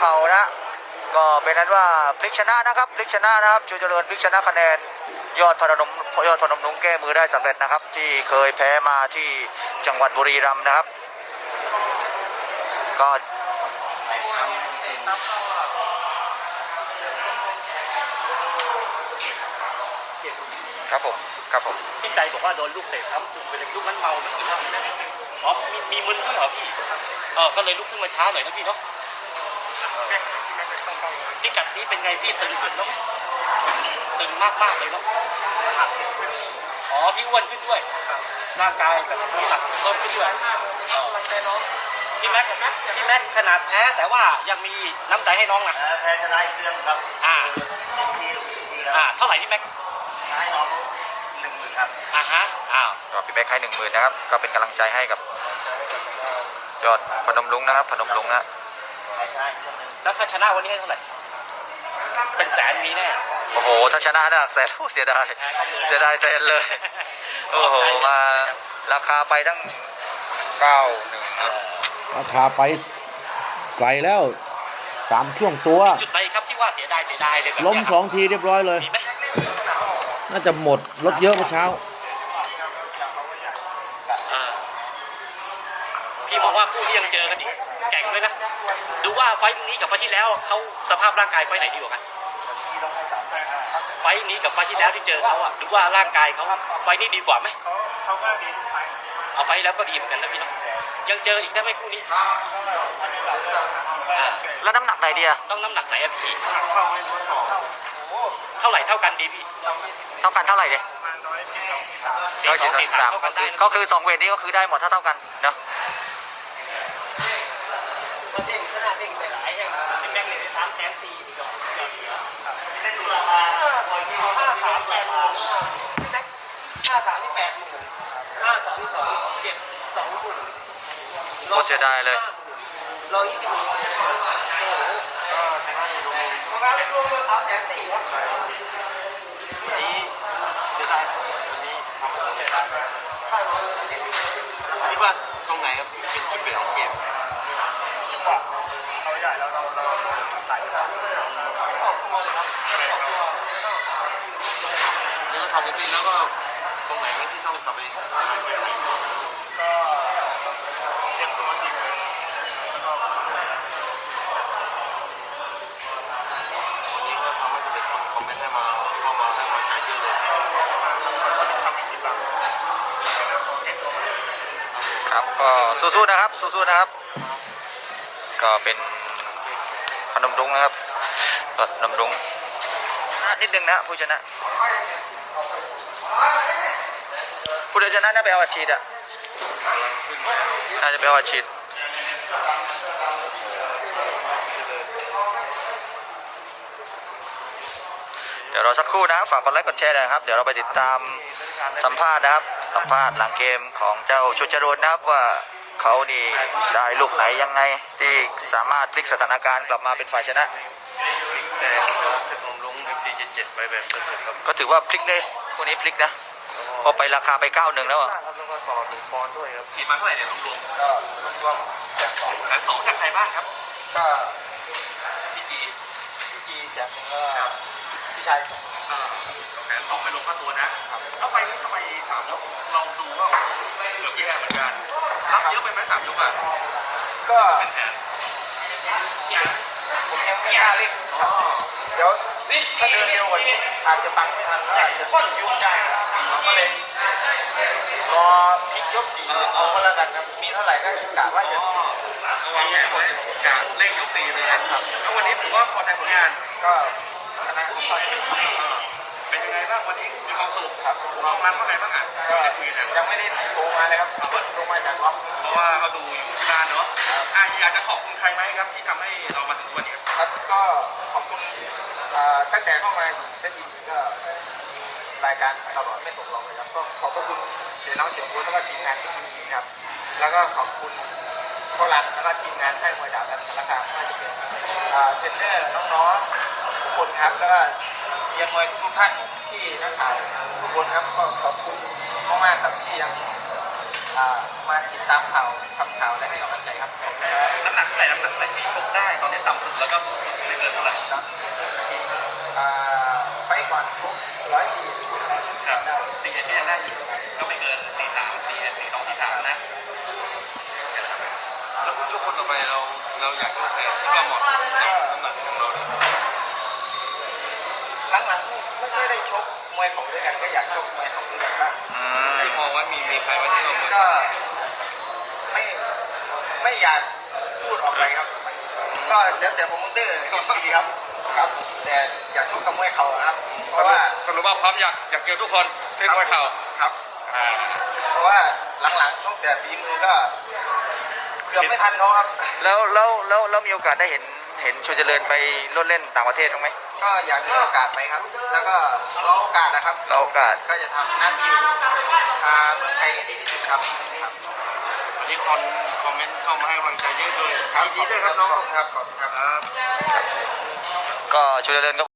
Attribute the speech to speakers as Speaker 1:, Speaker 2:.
Speaker 1: ข่านะก็เป็นนั้นว่าพลิกชนะนะครับพลิกชนะนะครับชูเจริญพลิกชนะคะแนนยอดพนมรุ้งแก้มือได้สำเร็จนะครับที่เคยแพ้มาที่จังหวัดบุรีรัมย์นะครับก็ครับผม
Speaker 2: พี่ใจบอกว่าโดนลูกเตะซ้ำตึงไปเลยลูกนั้นเมาไม่กินเหล้าอ๋อมีมึนด้วยเหรอพี่ก็เลยลุกขึ้นมาช้าหน่อยนะพี่เนาะพี่กัดนี้เป็นไงพี่ตึงสุดแล้วไหมตึงมากเลยเนาะอ๋อพี่อ้วนขึ้นด้วยร่างกายแบบน้ำหนักเพิ่มขึ้นด้วยพี่แม็กขนาดแพ้แต่ว่ายังมีน้ำใจให้น้องนะ
Speaker 1: แพ้ชนะอีกเรื่องครับ
Speaker 2: เท่าไหร่พี่แม็ก
Speaker 1: ให้น้อง10,000ครับก็พี่แม็กให้10,000นะครับก็เป็นกำลังใจให้กับยอดพนมรุ้งนะครับพนมรุ้งนะ
Speaker 2: แล้วถ้าชนะวันนี้ให้เท่าไหร่เป็นแสนมีแน่
Speaker 1: โอ้โหถ้าชนะได้แสนเสียดายแสนเลยโอ้โหมาราคาไปตั้ง91
Speaker 3: ราคาไปไกลแล้ว3ช่วงตัว
Speaker 2: จุดไหนครับที่ว่าเสียดายเลยแบบ
Speaker 3: ล้ม2ทีเรียบร้อยเลยน่าจะหมดรถเยอะเมื่อเช้า
Speaker 2: พี่มองว่าคู่นี้ยังเจอกันอีกแข่งเลยนะดูว่าไฟล์นี้กับไฟล์ที่แล้วเขาสภาพร่างกายไฟล์ไหนดีกว่ากันไฟล์นี้กับไฟล์ที่แล้วที่เจอเขาอะดูว่าร่างกายเขาไฟล์นี้ดีกว่าไหม
Speaker 4: เขาก็ดีทุกไฟล์
Speaker 2: เอาไฟล์แล้วก็ดีเหมือนกันนะพี่น้องยังเจออีกได้ไหมคู่นี้
Speaker 1: แล้วน้ำหนักไหนดีอะ
Speaker 2: ต้องน้ำหนักไหนอะพี่เท่าไหร่เท่ากันดีพี่
Speaker 1: เท่ากันเท่าไหร่ดิ143ก็คือ2เวทนี้ก็คือได้หมดเท่ากันเนาะ
Speaker 2: เด้งขนาดเด้งไปหลายอย่างสิบแม็กเลย340,000ดีกว่าได้ดูราคา53ที่80,000 52ที่2เจ็บ20,000
Speaker 1: โคตรเสียดายเลย
Speaker 2: 120,000ประมาณรวมๆ340,000ครับ
Speaker 4: วันนี้เสียดายวันนี้ทำให้เสียดายคิดว่าตรงไหนครับเป็นจุดเปลี่ยนของเกมจังหวะเราใหญ่แล้วเราใส่แล้วทำจริงๆแล้วก็ตรงไหนที่ต้องกลับไปก็เตรียมตัวทีมวันนี้ก็ทำให้เด็กคนคอมเมนต์ได้มาเข้ามาให้กำลังใจเยอะเลย
Speaker 1: ครับก็สู้ๆนะครับก็เป็นพนมรุ้งนะครับพนมรุ้งนิดนึงนะผู้ชนะผู้ชนะน่าไปเอาอาชีพน่าจะไปเอาอาชีพเดี๋ยวรอสักครู่นะครับฝากกดไลค์กดแชร์นะครับเดี๋ยวเราไปติดตามสัมภาษณ์นะครับสัมภาษณ์หลังเกมของเจ้าชูเจริญนะครับว่าเขานี่ได้ลูกไหนยังไงที่สามารถพลิกสถานการณ์กลับมาเป็นฝ่ายชนะก็ถือว่าพลิกได้คนนี้พลิกนะพอไปราคาไป91แล้วอ่ะ
Speaker 4: แล้วก็ต่อ1 ปอนด์ด้วยครับ
Speaker 2: ทีมาเท่าไหร่เนี่ยรวมก็รวมแสน 2จากใครบ้างครับ
Speaker 4: ก็
Speaker 2: พี่
Speaker 4: จีจากพี่ชาย
Speaker 2: 1,200,000ไปลงค่าตัวนะแล้วไปนี้ทำไม3 ยกเราดูว่าเกือบแย่เหมือนกันรับเยอะไปไหม3 ยกอ่ะ
Speaker 4: ก็ผมยังไม่กล้าเล่นเดี๋ยวถ้าเดินเร็วกว่านี้อาจจะปังไม่ทันแล้วอาจจะยุ่งได้เราก็เลยรอพลิกยก4เอาก็แล้วกันนะมีเท่าไหร่ก็กะว่าจะ
Speaker 2: มีผลกะเล่นยก4เลยนะครับแล้ววันนี้ถือว่าพอใจผลงาน
Speaker 4: ก็ชนะ
Speaker 2: เป็นยังไงบ้างวันนี้มีความสุขครับมองมันว่าไงบ้างอ่ะ
Speaker 4: ยังไม่ได้โทรมาเลยครับโทรมาจากล็อก
Speaker 2: เพราะว่าเขาดูอยู่ที่บ้านเนาะอยากจะขอบคุณใครไหมครับที่ทำให้เรามาถึงวันนี้
Speaker 4: ครับก็ขอบคุณตั้งแต่เข้ามาได้ยินก็รายการตลอดไม่ตกลงเลยครับก็ขอบคุณเสียน้องเสียบุญแล้วก็ทีมงานที่ดีครับแล้วก็ขอบคุณโครันแล้วก็ทีมงานค่ายมวยดาวและสารคามไม่ว่าจะเป็นเทรนเนอร์น้องๆทุกคนครับแล้วก็เชียร์มวยทุกท่านที่นักข่าวทุกคนครับก็ขอบคุณมากๆครับที่ยังมาติดตามข่าวทำข่าวและให้กำลังใจครับ
Speaker 2: น้ำหนักเท่าไหร่น้ำหนักเท่าไหร่ที่ชกได้ตอนนี้ต่ำสุดแล้วก็สูงสุดไม่เกินเท่าไหร่
Speaker 4: ไฟก่อนทุก104
Speaker 2: ครับตีเอ็นก็ยังได้อยู่ก็ไม่เกิน43ตีเอ็น42 43นะแล้วช่วงคนต่อไปเราอยากชกใครที่ว่าเหมาะสมกับน้ำหนักของเราเนี่ย
Speaker 4: หลังๆไม่ได้ชกมวยของด้วยกันก็อยากชกมวยของด้วยกันบ้าง
Speaker 2: ที่มองว่ามีใครมาที่เราเหมือน
Speaker 4: ก็ไม่อยากพูดออกไปครับ ก็แล้วแต่โปรโมเตอร์ดีครับครับแต่อยากชกกับมวยเขาครับ เพราะว่า
Speaker 2: สรุปว่าพร้อมอยากเจอทุกคนที่มวยเข่า
Speaker 4: ครับ เพราะว่าหลังๆตั้งแต่ฝีมือก็เกือบไม่ทันเขาครับ
Speaker 1: แล้วมีโอกาสได้เห็นชูเจริญไปโลดเล่นต่างประเทศบ้างไหม
Speaker 4: ก็อยากมีโอกาสไปครับ แล้วก็รอโอกาสนะครับ
Speaker 1: รอโอกาส
Speaker 4: ก็จะทำหน้าที่เมืองไทยให้ดีที่สุดครับ
Speaker 2: วันนี้คอมเมนต์เข้ามาให้กำลังใจเยอะเลย
Speaker 4: ครับยินดีด้วยครับน้องครับขอบคุณครับ
Speaker 1: ก็ชูเจริญก็